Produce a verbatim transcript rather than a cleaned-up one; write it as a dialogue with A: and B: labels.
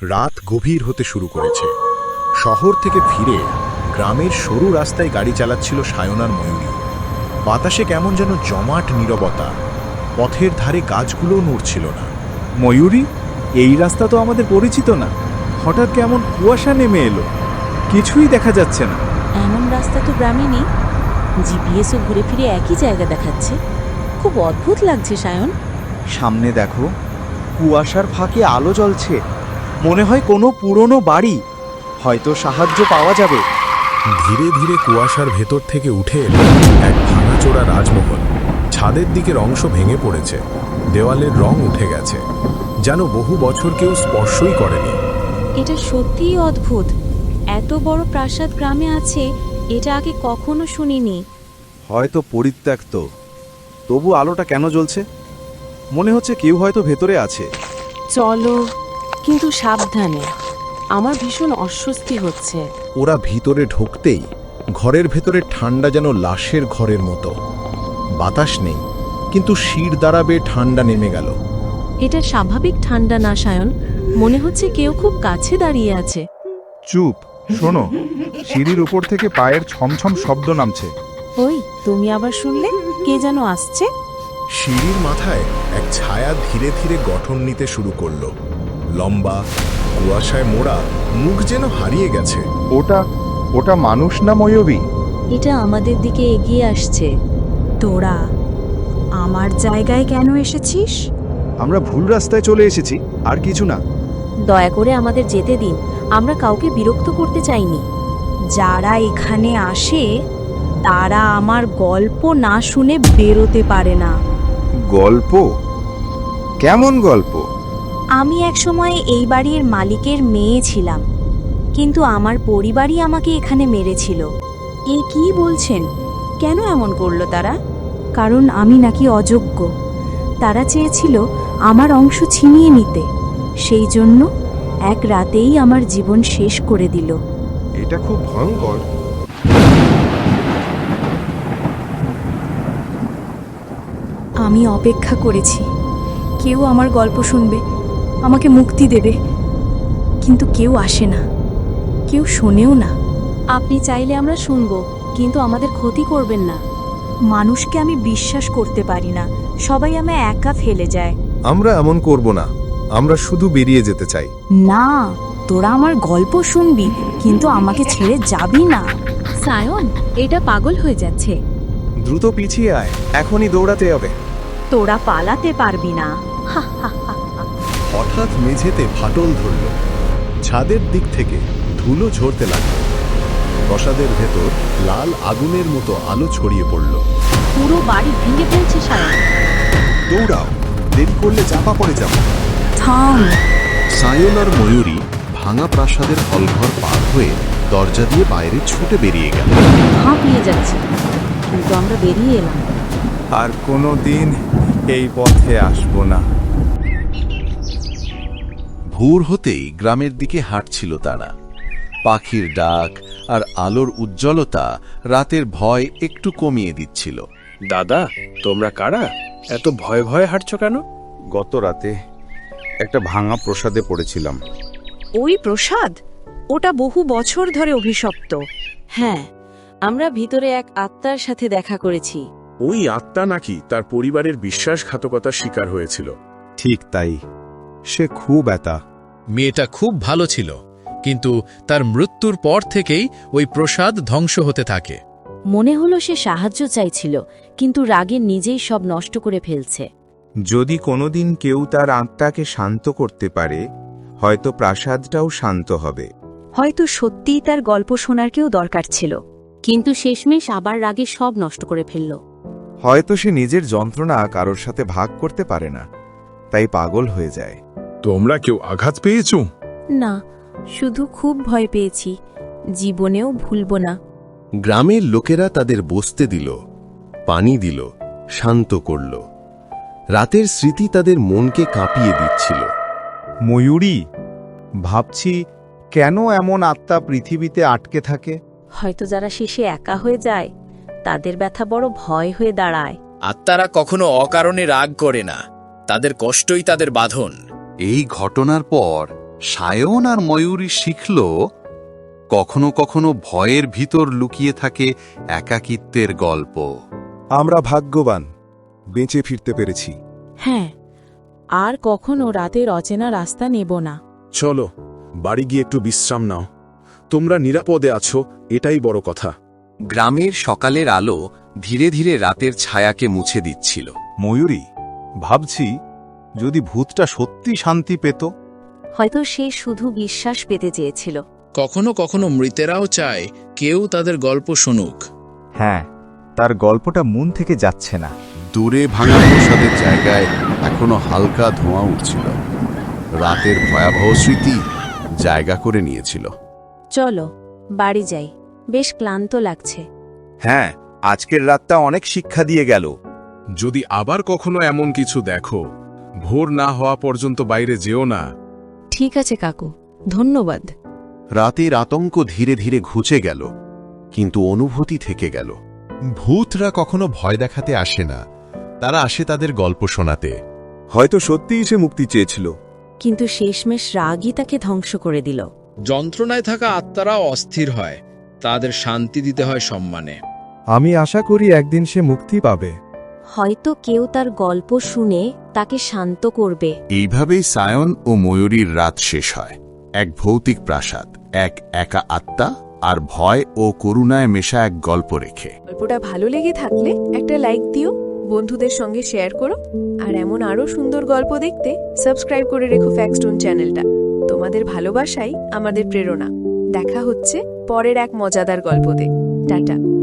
A: রাত গভীর হতে শুরু করেছে। শহর থেকে ফিরে গ্রামের সরু রাস্তায় গাড়ি চালাচ্ছিল সায়ন আর ময়ূরী। বাতাসে কেমন যেন জমাট নীরবতা, পথের ধারে গাছগুলোও নড়ছিল না।
B: ময়ূরী, এই রাস্তা তো আমাদের পরিচিত না। হঠাৎ কেমন কুয়াশা নেমে এলো, কিছুই দেখা যাচ্ছে না।
C: এমন রাস্তা তো গ্রামে নেই। জিপিএসও ঘুরে ফিরে একই জায়গা দেখাচ্ছে। খুব অদ্ভুত লাগছে সায়ন।
B: সামনে দেখো, কুয়াশার ফাঁকে আলো জ্বলছে। মনে হয় কোনো পুরনো বাড়ি, হয়তো সাহায্য পাওয়া যাবে।
A: ধীরে ধীরে কুয়াশার ভেতর থেকে উঠে এলো এক ভাঙাচোরা রাজমহল। ছাদের দিকের অংশ ভেঙে পড়েছে, দেওয়ালের রং উঠে গেছে, যেন বহু বছর কেউ স্পর্শই করেনি।
C: এটা সত্যিই অদ্ভুত। এত বড় প্রাসাদ গ্রামে আছে, এটা আগে কখনো শুনিনি।
B: হয়তো পরিত্যক্ত, তবু আলোটা কেন জ্বলছে? মনে হচ্ছে কেউ হয়তো ভেতরে আছে।
C: চলো, কিন্তু সাবধানে। আমার ভীষণ অস্বস্তি হচ্ছে।
A: ওরা ভিতরে ঢুকতেই ঘরের ভেতরে ঠান্ডা যেন লাশের ঘরের মতো। বাতাস নেই, কিন্তু শির দাঁড়াবে ঠান্ডা নেমে গেল।
C: এটা স্বাভাবিক ঠান্ডা না সায়ন, মনে হচ্ছে কেউ খুব কাছে দাঁড়িয়ে আছে।
D: চুপ, শোনো, সিঁড়ির উপর থেকে পায়ের ছমছম শব্দ নামছে।
C: ওই, তুমি আবার শুনলে? কে যেন আসছে।
A: সিঁড়ির মাথায় এক ছায়া ধীরে ধীরে গঠন নিতে শুরু করলো। লম্বা, কুয়াশায় মোড়া, মুখ যেন হারিয়ে গেছে।
D: ওটা ওটা মানুষ না ময়ূরী?
C: এটা আমাদের দিকে এগিয়ে আসছে।
E: তোরা আমার জায়গায় কেন এসেছিস?
B: আমরা ভুল রাস্তায় চলে এসেছি, আর কিছু না।
C: দয়া করে আমাদের যেতে দিন, আমরা কাউকে বিরক্ত করতে চাইনি।
E: যারা এখানে আসে তারা আমার গল্প না শুনে বেরোতে পারে না।
D: গল্প? কেমন গল্প?
E: আমি একসময় এই বাড়ির মালিকের মেয়ে ছিলাম, কিন্তু আমার পরিবারই আমাকে এখানে মেরেছিল। এ কি বলছেন? কেন এমন করলো তারা? কারণ আমি নাকি অযোগ্য। তারা চেয়েছিল আমার অংশ ছিনিয়ে নিতে, সেই জন্য এক রাতেই আমার জীবন শেষ করে দিল।
D: এটা খুব ভয়ঙ্কর।
E: আমি অপেক্ষা করেছি, কেউ আমার গল্প শুনবে, আমাকে মুক্তি দেবে, কিন্তু কেউ আসে না, কেউ শোনেও না।
C: আপনি চাইলে আমরা শুনবো, কিন্তু আমাদের ক্ষতি করবেন না।
E: মানুষকে আমি বিশ্বাস করতে পারি না, সবাই আমায় একা ফেলে যায়।
A: আমরা এমন করব না, আমরা শুধু বেরিয়ে যেতে চাই।
E: না, তোরা আমার গল্প শুনবি, কিন্তু আমাকে ছেড়ে যাবি না।
C: সায়ন, এটা পাগল হয়ে যাচ্ছে।
B: দ্রুত পিছিয়ে আয়, এখনই দৌড়াতে হবে।
E: তোরা পালাতে পারবি না।
A: হঠাৎ মেঝেতে ফাটল ধরল, ছাদের দিক থেকে ধুলো ঝরতে লাগল। প্রাসাদের ভেতর লাল আগুনের মতো আলো ছড়িয়ে পড়ল।
C: পুরো বাড়ি ভেঙে ফেলছে সায়ন।
A: দৌড়াও, দেরি করলে চাপা পড়ে যাব।
E: থাম।
A: সায়ন আর ময়ূরী ভাঙা প্রাসাদের হলঘর পার হয়ে দরজা দিয়ে বাইরে ছুটে বেরিয়ে গেল।
C: হাঁপিয়ে যাচ্ছে, কিন্তু আমরা বেরিয়ে এলাম।
B: আর কোনো দিন এই পথে আসবো না।
F: ভোর হতেই গ্রামের দিকে হাঁটছিল তারা। পাখির ডাক আর আলোর উজ্জ্বলতা রাতের ভয় একটু কমিয়ে দিচ্ছিল।
G: দাদা, তোমরা কারা? এত ভয়ে ভয়ে হাঁটছো কেন?
D: গত রাতে একটা ভাঙা প্রসাদে পড়েছিলাম।
E: ওই প্রসাদ? ওটা বহু বছর ধরে অভিশপ্ত।
C: হ্যাঁ, আমরা ভিতরে এক আত্মার সাথে দেখা করেছি।
G: ওই আত্মা নাকি তার পরিবারের বিশ্বাসঘাতকতার শিকার হয়েছিল।
D: ঠিক তাই, সে খুব এতা।
H: মেয়েটা খুব ভালো ছিল, কিন্তু তার মৃত্যুর পর থেকেই ওই প্রসাদ ধ্বংস হতে থাকে।
C: মনে হলো সে সাহায্য চাইছিল, কিন্তু রাগে নিজেই সব নষ্ট করে ফেলছে।
D: যদি কোনোদিন কেউ তার আত্মাকে শান্ত করতে পারে, হয়তো প্রাসাদটাও শান্ত হবে।
E: হয়তো সত্যিই তার গল্প শোনার কেউ দরকার ছিল।
C: কিন্তু শেষমেশ আবার রাগে সব নষ্ট করে ফেলল।
D: হয়তো সে নিজের যন্ত্রণা কারোর সাথে ভাগ করতে পারে না, তাই পাগল হয়ে যায়।
G: তোমরা কেউ আঘাত পেয়েছো?
C: না, শুধু খুব ভয় পেয়েছি। জীবনেও ভুলবো না।
F: গ্রামের লোকেরা তাদের বসতে দিল, পানি দিল, শান্ত করল। রাতের স্মৃতি তাদের মনকে কাঁপিয়ে দিচ্ছিল।
D: ময়ূরী, ভাবছি কেন এমন আত্মা পৃথিবীতে আটকে থাকে?
C: হয়তো যারা শেষে একা হয়ে যায়, তাদের ব্যথা বড় ভয় হয়ে দাঁড়ায়।
I: আত্মারা কখনো অকারণে রাগ করে না, তাদের কষ্টই তাদের বাঁধন।
F: এই ঘটনার পর সায়ন আর ময়ূরী শিখল কখনো কখনো ভয়ের ভিতর লুকিয়ে থাকে একাকিত্বের গল্প।
D: আমরা ভাগ্যবান, বেঁচে ফিরতে পেরেছি।
C: হ্যাঁ, আর কখনো রাতের অচেনা রাস্তা নেব না।
G: চলো বাড়ি গিয়ে একটু বিশ্রাম নাও। তোমরা নিরাপদে আছো, এটাই বড় কথা।
F: গ্রামের সকালের আলো ধীরে ধীরে রাতের ছায়াকে মুছে দিচ্ছিল।
A: ময়ূরী, ভাবছি যদি ভূতটা সত্যি শান্তি পেত।
E: হয়তো সে শুধু বিশ্বাস পেতে চেয়েছিল।
H: কখনো কখনো মৃতেরাও চায় কেউ তাদের গল্প শুনুক।
B: হ্যাঁ, তার গল্পটা মন থেকে যাচ্ছে না।
F: দূরে ভাঙা প্রসাদের জায়গায় এখনো হালকা ধোঁয়া উঠছিল। রাতের ভয়াবহ স্মৃতি জায়গা করে নিয়েছিল।
E: চলো বাড়ি যাই, বেশ ক্লান্ত লাগছে।
B: হ্যাঁ, আজকের রাতটা অনেক শিক্ষা দিয়ে গেল।
G: যদি আবার কখনো এমন কিছু দেখো, ভোর না হওয়া পর্যন্ত বাইরে যেও না।
E: ঠিক আছে কাকু, ধন্যবাদ।
F: রাতের আতঙ্ক ধীরে ধীরে ঘুচে গেল, কিন্তু অনুভূতি থেকে গেল।
A: ভূতরা কখনো ভয় দেখাতে আসে না, তারা আসে তাদের গল্প শোনাতে।
D: হয়তো সত্যিই সে মুক্তি চেয়েছিল।
E: কিন্তু শেষমেশ রাগই তাকে ধ্বংস করে দিল।
H: যন্ত্রণায় থাকা আত্মারাও অস্থির হয়, তাদের শান্তি দিতে হয় সম্মানে।
D: আমি আশা করি একদিন সে মুক্তি পাবে।
E: হয়তো কেউ তার গল্প শুনে তাকে শান্ত করবে।
F: এইভাবেই সায়ন ও ময়ূরীর রাত শেষ হয়। এক ভৌতিক প্রাসাদ, এক একা আত্মা আর ভয় ও করুণায় মেশা এক গল্প রেখে।
I: গল্পটা ভালো লেগে থাকলে একটা লাইক দিও, বন্ধুদের সঙ্গে শেয়ার করো, আর এমন আরও সুন্দর গল্প দেখতে সাবস্ক্রাইব করে রেখো ফ্যাক্সটোন চ্যানেলটা। তোমাদের ভালোবাসাই আমাদের প্রেরণা। দেখা হচ্ছে পরের এক মজাদার গল্পতে। টাটা।